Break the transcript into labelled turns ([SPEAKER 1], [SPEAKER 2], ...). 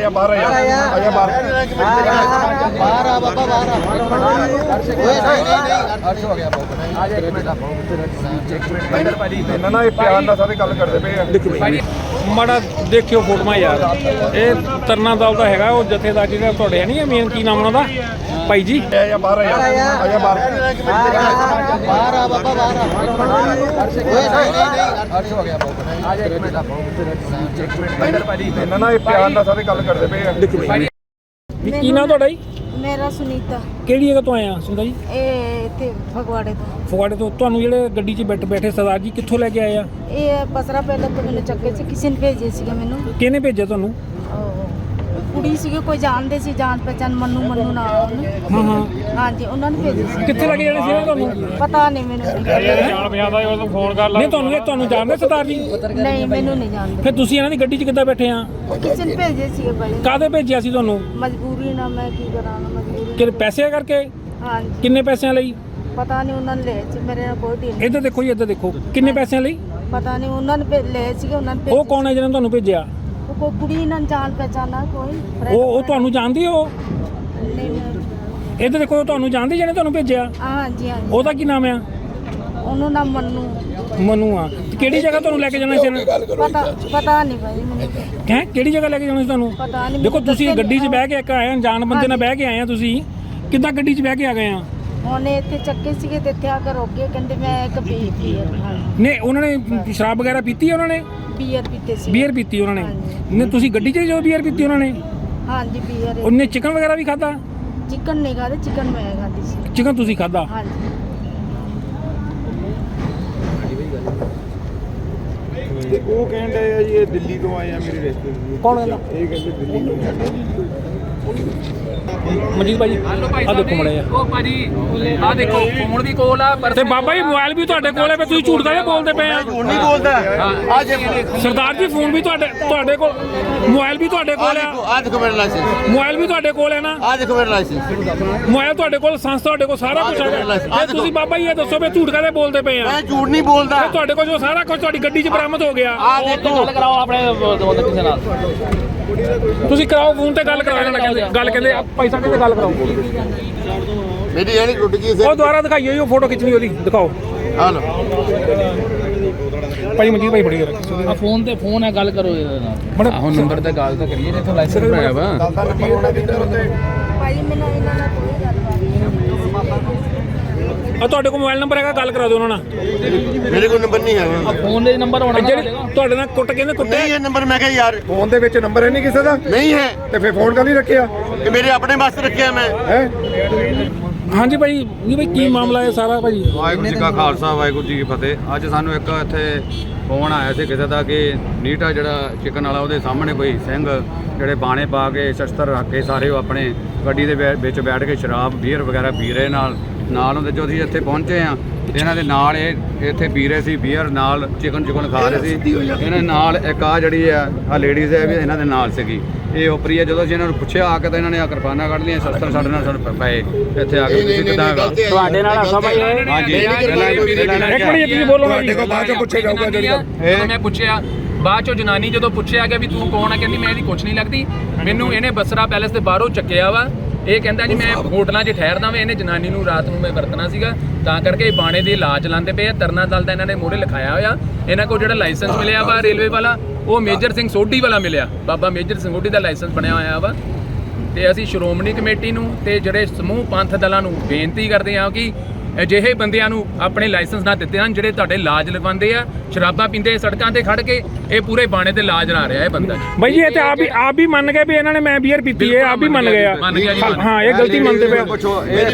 [SPEAKER 1] आया बाहर आया बाहर आ बाबा बाहर ना प्यार ना सारे गल करते पे
[SPEAKER 2] ਮਾੜਾ ਦੇਖਿਓ ਫੋਟੋਆਂ ਯਾਰ ਇਹ ਤਰਨਾ ਦਲ ਦਾ ਹੈਗਾ ਉਹ ਜਥੇਦਾਰ ਜਿਹੜਾ ਤੁਹਾਡੇ ਹੈ ਨਹੀਂ ਮੇਨ ਕੀ ਨਾਮ ਉਹਨਾਂ ਦਾ ਭਾਈ ਜੀ
[SPEAKER 1] आया बाहर आया बाहर आ बाबा बाहर ना प्यार ना सारे गल करते पे
[SPEAKER 2] ਕੀ ਨਾਮ ਤੁਹਾਡਾ ਜੀ
[SPEAKER 3] ਮੇਰਾ ਸੁਨੀਤਾ
[SPEAKER 2] ਕਿਹੜੀ ਜਗ੍ਹਾ ਤੋਂ ਆਏ ਆ ਸੁੰਦਾ ਜੀ
[SPEAKER 3] ਇਹ ਇੱਥੇ ਫਗਵਾੜੇ ਤੋਂ
[SPEAKER 2] ਫਗਵਾੜੇ ਤੋਂ ਤੁਹਾਨੂੰ ਜਿਹੜੇ ਗੱਡੀ 'ਚ ਬੈਠੇ ਸਰਦਾਰ ਜੀ ਕਿੱਥੋਂ ਲੈ ਕੇ ਆਏ ਆ
[SPEAKER 3] ਇਹ ਪਸਰਾ ਪਹਿਲਾਂ ਤੋਂ ਮੈਨੂੰ ਚੱਕੇ ਸੀ ਕਿਸੇ ਨੇ ਭੇਜੇ ਸੀਗਾ ਮੈਨੂੰ
[SPEAKER 2] ਕਿਹਨੇ ਭੇਜਿਆ ਤੁਹਾਨੂੰ
[SPEAKER 3] ਕੁੜੀ ਸੀਗੀ ਕੋਈ ਜਾਣਦੇ ਸੀ ਜਾਣ ਪਹਿਚਾਨ ਮੰਨੂ ਨਾ ਹਾਂਜੀ ਉਹਨਾਂ ਨੇ ਭੇਜੇ ਸੀ
[SPEAKER 2] ਕਿੱਥੇ ਲੈ ਕੇ ਜਾਣੇ ਸੀ ਤੁਹਾਨੂੰ
[SPEAKER 3] ਪਤਾ ਨਹੀਂ ਮੈਨੂੰ
[SPEAKER 2] ਜਾਣ ਪਛਾਣਦਾ ਉਹ ਫੋਨ ਕਰ ਲਾ ਨਹੀਂ ਤੁਹਾਨੂੰ ਜਾਣਦੇ ਸਰਦਾਰ ਜੀ
[SPEAKER 3] ਨਹੀਂ ਮੈਨੂੰ ਨਹੀਂ ਜਾਣਦੇ
[SPEAKER 2] ਫਿਰ ਤੁਸੀਂ ਇਹਨਾਂ ਦੀ ਗੱਡੀ 'ਚ ਕਿੱਦਾਂ ਬੈਠੇ ਆ
[SPEAKER 3] ਕਿਸੇ ਨੇ ਭੇਜੇ ਸੀਗੇ ਭਾਈ
[SPEAKER 2] ਕਾਹਦੇ ਭੇਜਿਆ ਸੀ ਤੁਹਾਨੂੰ
[SPEAKER 3] ਮਜਬੂਰੀ ਨਾਲ ਮੈਂ ਕੀ ਕਰਾਂ ਮਜਬੂਰੀ
[SPEAKER 2] ਕਿ ਪੈਸੇ ਕਰਕੇ
[SPEAKER 3] ਹਾਂਜੀ
[SPEAKER 2] ਕਿੰਨੇ ਪੈਸਿਆਂ ਲਈ
[SPEAKER 3] ਪਤਾ ਨਹੀਂ ਉਹਨਾਂ ਨੇ ਲਏ ਸੀ ਮੇਰੇ ਨਾਲ ਕੋਈ ਢੀਲ
[SPEAKER 2] ਇੱਧਰ ਦੇਖੋ ਜੀ ਇੱਧਰ ਦੇਖੋ ਕਿੰਨੇ ਪੈਸਿਆਂ ਲਈ
[SPEAKER 3] ਪਤਾ ਨਹੀਂ ਉਹਨਾਂ ਨੇ ਲਏ ਸੀਗੇ ਉਹਨਾਂ ਨੇ
[SPEAKER 2] ਉਹ ਕੌਣ ਹੈ ਜਿਹਨੇ ਤੁਹਾਨੂੰ ਭੇਜਿਆ
[SPEAKER 3] ਉਹ ਕੋਈ ਕੁੜੀ ਨਾਲ ਜਾਣ ਪਹਿਚਾਨਾ ਕੋਈ
[SPEAKER 2] ਉਹ ਤੁਹਾਨੂੰ ਜਾਣਦੀ ਹੋ
[SPEAKER 3] ਨਹੀਂ
[SPEAKER 2] ਇੱਧਰ ਦੇਖੋ ਉਹ ਤੁਹਾਨੂੰ ਜਾਣਦੀ ਜਿਹਨੇ ਤੁਹਾਨੂੰ ਭੇਜਿਆ
[SPEAKER 3] ਹਾਂਜੀ ਹਾਂਜੀ
[SPEAKER 2] ਉਹਦਾ ਕੀ ਨਾਮ ਆ
[SPEAKER 3] ਉਹਨੂੰ ਨਾਮ ਮੰਨੂ
[SPEAKER 2] ਮਨੂ ਆ ਤੇ ਕਿਹੜੀ ਜਗ੍ਹਾ ਤੁਹਾਨੂੰ ਲੈ ਕੇ ਜਾਣਾ ਸੀ ਇਹਨੇ
[SPEAKER 3] ਪਤਾ ਨਹੀਂ ਭਾਈ ਮੈਨੂੰ
[SPEAKER 2] ਹੈ ਕਿਹੜੀ ਜਗ੍ਹਾ ਲੈ ਕੇ ਜਾਣਾ ਸੀ ਤੁਹਾਨੂੰ
[SPEAKER 3] ਪਤਾ ਨਹੀਂ
[SPEAKER 2] ਦੇਖੋ ਤੁਸੀਂ ਗੱਡੀ 'ਚ ਬਹਿ ਕੇ ਇੱਕ ਆਏ ਅਣਜਾਣ ਬੰਦੇ ਨਾਲ ਬਹਿ ਕੇ ਆਏ ਆ ਤੁਸੀਂ ਕਿੱਦਾਂ ਗੱਡੀ 'ਚ ਬਹਿ ਕੇ ਆ ਗਏ ਆ
[SPEAKER 3] ਉਹਨੇ ਇੱਥੇ ਚੱਕੇ ਸੀਗੇ ਤੇ ਇੱਥੇ ਆ ਕੇ ਰੋਕ ਗਏ ਕਹਿੰਦੇ ਮੈਂ ਇੱਕ ਬੀਅਰ
[SPEAKER 2] ਨੇ ਉਹਨਾਂ ਨੇ ਸ਼ਰਾਬ ਵਗੈਰਾ ਪੀਤੀ ਉਹਨਾਂ ਨੇ
[SPEAKER 3] ਬੀਅਰ ਪੀਤੇ ਸੀ
[SPEAKER 2] ਬੀਅਰ ਪੀਤੀ ਉਹਨਾਂ ਨੇ ਨੇ ਤੁਸੀਂ ਗੱਡੀ 'ਚ ਜੋ ਬੀਅਰ ਪੀਤੀ ਉਹਨਾਂ ਨੇ
[SPEAKER 3] ਹਾਂਜੀ ਬੀਅਰ
[SPEAKER 2] ਉਹਨੇ ਚਿਕਨ ਵਗੈਰਾ ਵੀ ਖਾਦਾ
[SPEAKER 3] ਚਿਕਨ ਨਹੀਂ ਖਾਦੇ ਚਿਕਨ ਮੈਂ ਖਾਦੀ ਸੀ
[SPEAKER 2] ਚਿਕਨ ਤੁਸੀਂ ਖਾਦਾ
[SPEAKER 3] ਹਾਂਜੀ
[SPEAKER 1] ਉਹ ਕਹਿੰਦੇ ਆ ਜੀ ਇਹ ਦਿੱਲੀ ਤੋਂ ਆਏ ਆ ਮੇਰੇ ਰਿਸ਼ਤੇਦਾਰ
[SPEAKER 2] ਕੌਣ ਕਹਿੰਦਾ
[SPEAKER 1] ਇਹ ਕਹਿੰਦੇ ਦਿੱਲੀ
[SPEAKER 2] ਮਨਜੀਤ ਭਾਜੀ ਆ ਦੇਖੋ ਮੜੇ ਆ
[SPEAKER 4] ਉਹ ਭਾਜੀ ਆ ਦੇਖੋ ਫੋਨ ਵੀ ਕੋਲ ਆ ਪਰ
[SPEAKER 2] ਤੇ ਬਾਬਾ ਜੀ ਮੋਬਾਈਲ ਵੀ ਤੁਹਾਡੇ ਕੋਲ ਹੈ ਫਿਰ ਤੁਸੀਂ ਝੂਠ ਕਾਹਦੇ ਬੋਲਦੇ ਪਏ ਆ
[SPEAKER 1] ਝੂਠ ਨਹੀਂ ਬੋਲਦਾ ਅੱਜ
[SPEAKER 2] ਸਰਦਾਰ ਜੀ ਫੋਨ ਵੀ ਤੁਹਾਡੇ ਕੋਲ ਮੋਬਾਈਲ ਵੀ ਤੁਹਾਡੇ ਕੋਲ ਆ
[SPEAKER 1] ਆ ਦੇਖੋ ਮੇਰਾ ਲਾਇਸੈਂਸ
[SPEAKER 2] ਮੋਬਾਈਲ ਵੀ ਤੁਹਾਡੇ ਕੋਲ ਹੈ ਨਾ
[SPEAKER 1] ਆ ਦੇਖੋ ਮੇਰਾ ਲਾਇਸੈਂਸ
[SPEAKER 2] ਮੋਬਾਈਲ ਤੁਹਾਡੇ ਕੋਲ ਲਾਇਸੈਂਸ ਤੁਹਾਡੇ ਕੋਲ ਸਾਰਾ ਕੁਝ ਹੈਗਾ ਤੇ ਤੁਸੀਂ ਬਾਬਾ ਜੀ ਇਹ ਦੱਸੋ ਵੀ ਝੂਠ ਕਾਹਦੇ ਬੋਲਦੇ ਪਏ ਆ
[SPEAKER 1] ਮੈਂ ਝੂਠ ਨਹੀਂ ਬੋਲਦਾ
[SPEAKER 2] ਤੇ ਤੁਹਾਡੇ ਕੋਲ ਜੋ ਸਾਰਾ ਕੁਝ ਤੁਹਾਡੀ ਗੱਡੀ 'ਚ ਬਰਾਮਦ ਹੋ ਗਿਆ
[SPEAKER 1] ਆ ਦੇਖੋ
[SPEAKER 4] ਗੱਲ ਕਰਾਓ ਆਪਣੇ ਦੋਸਤ ਕਿਸੇ ਨਾਲ
[SPEAKER 2] ਤੁਸੀਂ ਕਰਾਓ ਫੋਨ ਤੇ ਗੱਲ ਕਰਾਓ ਇਹਨਾਂ ਨਾਲ ਗੱਲ ਕਹਿੰਦੇ ਪੈਸਾ ਕਹਿੰਦੇ ਗੱਲ ਕਰਾਓ
[SPEAKER 1] ਮੇਰੀ ਇਹ ਨਹੀਂ ਟੁੱਟ ਗਈ
[SPEAKER 2] ਉਹ ਦੁਬਾਰਾ ਦਿਖਾਈਓ ਉਹ ਫੋਟੋ ਖਿੱਚਣੀ ਉਹਦੀ ਦਿਖਾਓ
[SPEAKER 1] ਆ ਲੋ
[SPEAKER 2] ਭਾਈ ਮਨਜੀਤ ਭਾਈ ਫੜੀ
[SPEAKER 4] ਆ ਫੋਨ ਹੈ ਗੱਲ ਕਰੋ ਇਹਦੇ ਨਾਲ ਹੁਣ ਨੰਬਰ ਤੇ ਗੱਲ ਤਾਂ ਕਰੀਏ ਜਿੱਥੋਂ ਲਾਇਸੈਂਸ ਬਣਾਇਆ ਵਾ
[SPEAKER 3] ਭਾਈ ਮੈਨੂੰ ਇਹਨਾਂ ਨਾਲ ਕੋਈ ਗੱਲਬਾਤ ਨਹੀਂ
[SPEAKER 2] ਆ ਤੁਹਾਡੇ ਕੋਲ ਮੋਬਾਈਲ ਨੰਬਰ ਹੈਗਾ ਗੱਲ ਕਰਾ ਦਿਓ ਉਹਨਾਂ ਨਾਲ
[SPEAKER 1] ਮੇਰੇ ਕੋਲ ਨੰਬਰ ਨਹੀਂ ਹੈਗਾ
[SPEAKER 4] ਫੋਨ ਦੇ ਨੰਬਰ ਹੋਣਾ
[SPEAKER 2] ਜਿਹੜੇ ਤੁਹਾਡੇ ਨਾਲ ਕਹਿੰਦੇ ਕੁੱਟੇ
[SPEAKER 1] ਨਹੀਂ ਇਹ ਨੰਬਰ ਮੈਂ ਕਿਹਾ ਯਾਰ
[SPEAKER 5] ਫੋਨ ਦੇ ਵਿੱਚ ਨੰਬਰ ਹੈ ਨਹੀਂ ਕਿਸੇ ਦਾ
[SPEAKER 1] ਨਹੀਂ ਹੈ
[SPEAKER 5] ਤੇ ਫਿਰ ਫੋਨ ਕਰ ਨਹੀਂ ਰੱਖਿਆ
[SPEAKER 1] ਇਹ ਮੇਰੇ ਆਪਣੇ ਵਾਸਤੇ ਰੱਖਿਆ ਮੈਂ
[SPEAKER 5] ਹੈ
[SPEAKER 2] ਹਾਂਜੀ ਭਾਈ ਜੀ ਭਾਈ ਕੀ ਮਾਮਲਾ ਹੈ ਸਾਰਾ ਭਾਈ
[SPEAKER 6] ਵਾਹਿਗੁਰੂ ਜੀ ਕਾ ਖਾਲਸਾ ਵਾਹਿਗੁਰੂ ਜੀ ਕੀ ਫਤਿਹ। ਅੱਜ ਸਾਨੂੰ ਇੱਕ ਇੱਥੇ ਫੋਨ ਆਇਆ ਸੀ ਕਿਸੇ ਦਾ ਕਿ ਨੀਟਾ ਜਿਹੜਾ ਚਿਕਨ ਵਾਲਾ ਉਹਦੇ ਸਾਹਮਣੇ ਕੋਈ ਸਿੰਘ ਜਿਹੜੇ ਬਾਣੇ ਪਾ ਕੇ ਸ਼ਸਤਰ ਰੱਖ ਕੇ ਸਾਰੇ ਉਹ ਆਪਣੇ ਗੱਡੀ ਦੇ ਵਿੱਚ ਬੈਠ ਕੇ ਸ਼ਰਾਬ ਬੀਅਰ ਵਗੈਰਾ ਪੀ ਰਹੇ ਨਾਲ ਉਹਦੇ ਜੋ ਅਸੀਂ ਇੱਥੇ ਪਹੁੰਚੇ ਆ ਇਹਨਾਂ ਦੇ ਨਾਲ ਇਹ ਇੱਥੇ ਪੀ ਰਹੇ ਸੀ ਬੀਅਰ ਨਾਲ ਚਿਕਨ ਖਾ ਰਹੇ ਸੀ ਇਹਨਾਂ ਨਾਲ ਇੱਕ ਆ ਜਿਹੜੀ ਆ ਲੇਡੀਜ਼ ਹੈ ਵੀ ਇਹਨਾਂ ਦੇ ਨਾਲ ਸੀਗੀ ਇਹ ਉਪਰੀ ਹੈ। ਜਦੋਂ ਅਸੀਂ ਇਹਨਾਂ ਨੂੰ ਪੁੱਛਿਆ ਆ ਕੇ ਤਾਂ ਇਹਨਾਂ ਨੇ ਆ ਕਿਰਪਾਨਾਂ ਕੱਢ ਲਈਆਂ ਸ਼ਸਤਰ ਸਾਡੇ ਨਾਲ ਸਾਨੂੰ ਪਏ ਇੱਥੇ ਆ ਕੇ ਤੁਸੀਂ ਕਿੱਦਾਂ
[SPEAKER 2] ਤੁਹਾਡੇ ਨਾਲ ਹੱਸਾ ਭਾਈ
[SPEAKER 6] ਹਾਂਜੀ
[SPEAKER 2] ਇੱਕ ਮਿੰਟ ਤੁਸੀਂ ਬੋਲੋ ਨਾ
[SPEAKER 5] ਦੇਖੋ ਬਾਅਦ ਚ ਪੁੱਛਿਆ ਜਾਊਗਾ
[SPEAKER 4] ਜਦੋਂ ਮੈਂ ਪੁੱਛਿਆ ਬਾਅਦ ਚੋਂ ਜਨਾਨੀ ਜਦੋਂ ਪੁੱਛਿਆ ਗਿਆ ਵੀ ਤੂੰ ਕੌਣ ਆ ਕਹਿੰਦੀ ਮੈਂ ਇਹਦੀ ਕੁਛ ਨਹੀਂ ਲੱਗਦੀ ਮੈਨੂੰ ਇਹਨੇ ਬਸਰਾ ਪੈਲੇਸ ਦੇ ਬਾਹਰੋਂ ਚੱਕਿਆ ਵਾ ਇਹ ਕਹਿੰਦਾ ਜੀ ਮੈਂ ਹੋਟਲਾਂ 'ਚ ਠਹਿਰਦਾ ਵਾਂ ਇਹਨੇ ਜਨਾਨੀ ਨੂੰ ਰਾਤ ਨੂੰ ਮੈਂ ਵਰਤਣਾ ਸੀਗਾ ਤਾਂ ਕਰਕੇ ਇਹ ਬਾਣੇ ਦੇ ਇਲਾਜ ਲਾਉਂਦੇ ਪਏ ਆ ਤਰਨਾ ਦਲ ਦਾ ਇਹਨਾਂ ਨੇ ਮੋਹਰੇ ਲਿਖਾਇਆ ਹੋਇਆ ਇਹਨਾਂ ਕੋਲ ਜਿਹੜਾ ਲਾਇਸੈਂਸ ਮਿਲਿਆ ਵਾ ਰੇਲਵੇ ਵਾਲਾ ਉਹ ਮੇਜਰ ਸਿੰਘ ਸੋਢੀ ਵਾਲਾ ਮਿਲਿਆ ਬਾਬਾ ਮੇਜਰ ਸਿੰਘ ਸੋਢੀ ਦਾ ਲਾਇਸੈਂਸ ਬਣਿਆ ਹੋਇਆ ਵਾ ਤੇ ਅਸੀਂ ਸ਼੍ਰੋਮਣੀ ਕਮੇਟੀ ਨੂੰ ਤੇ ਜਿਹੜੇ ਸਮੂਹ ਪੰਥ ਦਲਾਂ ਨੂੰ ਬੇਨਤੀ ਕਰਦੇ ਹਾਂ ਕਿ ਅਜਿਹੇ ਬੰਦਿਆਂ ਨੂੰ ਆਪਣੇ ਲਾਇਸੈਂਸ ਨਾ ਦਿੱਤੇ ਹਨ ਜਿਹੜੇ ਤੁਹਾਡੇ ਲਾਜ ਲਗਵਾਉਂਦੇ ਆ ਸ਼ਰਾਬਾਂ ਪੀਂਦੇ ਸੜਕਾਂ ਤੇ ਖੜ ਕੇ ਇਹ ਪੂਰੇ ਬਾਣੇ ਤੇ ਲਾਜ ਲਾ ਰਿਹਾ ਇਹ ਬੰਦਾ
[SPEAKER 2] ਭਾਈ ਜੀ ਇਹ ਤੇ ਆਪ ਵੀ ਮੰਨ ਗਏ ਵੀ ਇਹਨਾਂ ਨੇ ਮੈਂ ਬੀਅਰ ਪੀਤੀ ਹੈ ਆਪ ਵੀ ਮੰਨ ਗਏ ਆ
[SPEAKER 4] ਮੰਨ ਗਿਆ ਜੀ
[SPEAKER 2] ਹਾਂ ਇਹ ਗਲਤੀ ਮੰਨਦੇ ਪਏ